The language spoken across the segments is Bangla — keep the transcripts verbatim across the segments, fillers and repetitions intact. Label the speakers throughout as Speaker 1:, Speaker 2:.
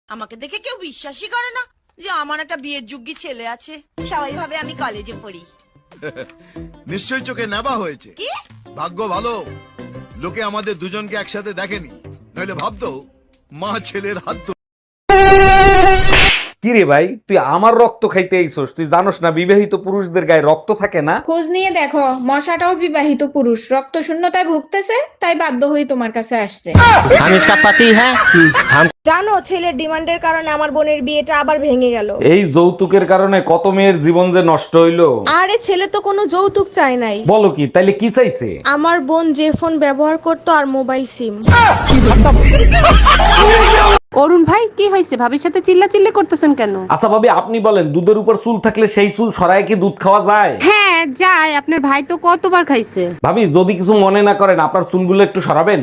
Speaker 1: আমাকে দেখে কেউ বিশ্বাসই করে না যে আমার একটা বিয়ের যোগ্য ছেলে আছে। সবাই ভাবে আমি কলেজে পড়ি।
Speaker 2: নিশ্চয়ই চোখে নেবা হয়েছে।
Speaker 1: কি
Speaker 2: ভাগ্য ভালো, লোকে আমাদের দুজনকে একসাথে দেখেনি, নইলে ভাবতো মা ছেলের হাত ধরে।
Speaker 3: কি রে ভাই, তুই আমার রক্ত খাইতে আইছস? তুই জানোস না বিবাহিত পুরুষদের গায়ে রক্ত থাকে না?
Speaker 4: খোঁজ নিয়ে দেখো, মশাটাও বিবাহিত পুরুষ, রক্ত শূন্যতায় ভুগতেছে, তাই বাধ্য হয়ে তোমার কাছে আসছে।
Speaker 5: हम इसका पति है हम
Speaker 6: জানো ছেলের ডিমান্ডের কারণে আমার বোনের বিয়েটা আবার ভেঙে গেল।
Speaker 3: এই যৌতুকের কারণে কত মেয়ের জীবন যে নষ্ট হইলো।
Speaker 6: আরে ছেলে তো কোনো যৌতুক চায় নাই,
Speaker 3: বলো কি, তাইলে কি চাইছে?
Speaker 6: আমার বোন যে ফোন ব্যবহার করতো আর মোবাইল সিম।
Speaker 7: অরুণ ভাই, কি হয়েছে? ভাবির সাথে চিল্লা চিল্লি করতেছেন কেন?
Speaker 3: আচ্ছা ভাবি, আপনি বলেন, দুধের উপর চুল থাকলে সেই চুল সরায় কি দুধ খাওয়া যায়?
Speaker 7: হ্যাঁ যায়, আপনার ভাই তো কতবার খাইছে।
Speaker 3: ভাবি, যদি কিছু মনে না করেন, আপনার চুলগুলো একটু সরাবেন।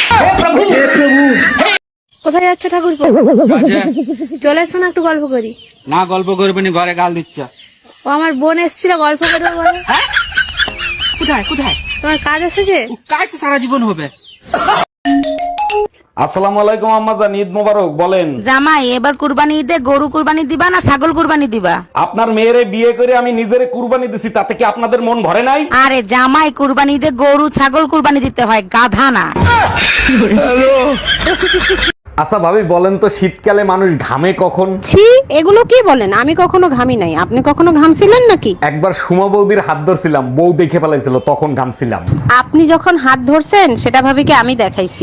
Speaker 6: কোথায় যাচ্ছে ঠাকুর? চলে এসো না, একটু গল্প করি।
Speaker 5: না গল্প করবে নি, ঘরে গাল দিচ্ছ।
Speaker 6: ও আমার বোন এসেছিল, গল্প করবে বলে।
Speaker 5: কোথায় কোথায়
Speaker 6: তোমার কাজ আছে যে?
Speaker 5: কাজ তো সারা জীবন হবে।
Speaker 3: আসসালামু আলাইকুম আম্মাজান, ঈদ মোবারক। বলেন
Speaker 7: জামাই, এবার কুরবানি ঈদে গরু কুরবানি দিবা না ছাগল কুরবানি দিবা?
Speaker 3: আপনার মেয়েরে বিয়ে করে আমি নিজেরে কুরবানি দিছি, তাতে কি আপনাদের মন ভরে নাই?
Speaker 7: আরে জামাই, কুরবানি ঈদে গরু ছাগল কুরবানি দিতে হয়, গাধা না।
Speaker 3: আচ্ছা ভাবি, বলেন তো, শীতকালে মানুষ ঘামে কখন?
Speaker 7: ছি, এগুলো কি বলেন? আমি কখনো ঘামি নাই। আপনি কখনো ঘামছিলেন নাকি?
Speaker 3: একবার সুমা বৌদির হাত ধরছিলাম, বউ দেখে ফেলাইছিল, তখন ঘামছিলাম।
Speaker 7: আপনি যখন হাত ধরছেন সেটা ভাবি কি আমি দেখাইছি?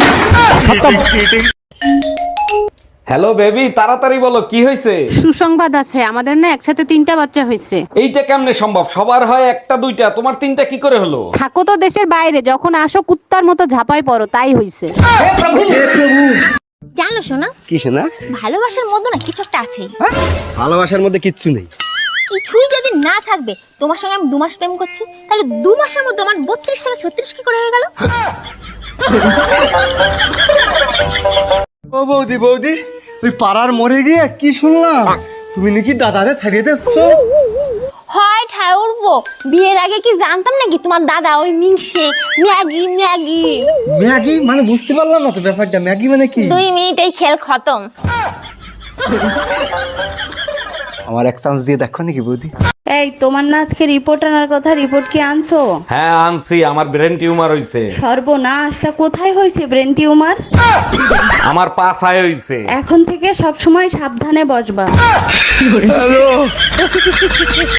Speaker 3: হ্যালো বেবি, তাড়াতাড়ি বলো, কি হয়েছে?
Speaker 7: সুসংবাদ আছে, আমাদের না একসাথে তিনটা বাচ্চা হয়েছে।
Speaker 3: এইটা কেমনে সম্ভব? সবার হয় একটা দুইটা, তোমার তিনটা কি করে হলো?
Speaker 7: থাকো তো দেশের বাইরে, যখন আসো কুত্তার মতো ঝাপাই পড়ো, তাই হইছে।
Speaker 8: জানো শোনা,
Speaker 5: কি শোনা?
Speaker 8: ভালোবাসার মধ্যে না কিছু একটা আছে।
Speaker 5: ভালোবাসার মধ্যে কিচ্ছু নেই।
Speaker 8: কিছুই যদি না থাকবে, তোমার সঙ্গে আমি দু মাস প্রেম করছি, তাহলে দু মাসের মধ্যে আমার বত্রিশ থেকে ছত্রিশ কি করে হয়ে গেল?
Speaker 9: ও বৌদি বৌদি, তুই পাড়ার মরে গিয়ে কি শুনলাম? তুমি নাকি দাদারে ছাড়িয়ে দিচ্ছ?
Speaker 8: হয় ঠায় উঠবো, বিয়ের আগে কি জানতাম নাকি তোমার দাদা ওই মিংসে ম্যাগি ম্যাগি
Speaker 9: ম্যাগি মানে বুঝতে পারলাম না তো ব্যাপারটা। ম্যাগি মানে কি?
Speaker 8: দুই মিনিটেই খেল খতম।
Speaker 9: আমার এক চান্স দিয়ে দেখো নাকি বৌদি?
Speaker 4: এই, তোমার না আজকে রিপোর্ট আনার কথা, রিপোর্ট কি আনছো?
Speaker 3: হ্যাঁ আনছি, আমার ব্রেন টিউমার হইছে।
Speaker 4: সর্বনাশ, তা কোথায় হয়েছে ব্রেন টিউমার?
Speaker 3: আমার পা ছায় হইছে।
Speaker 4: এখন থেকে সব সময় সাবধানে বসবা।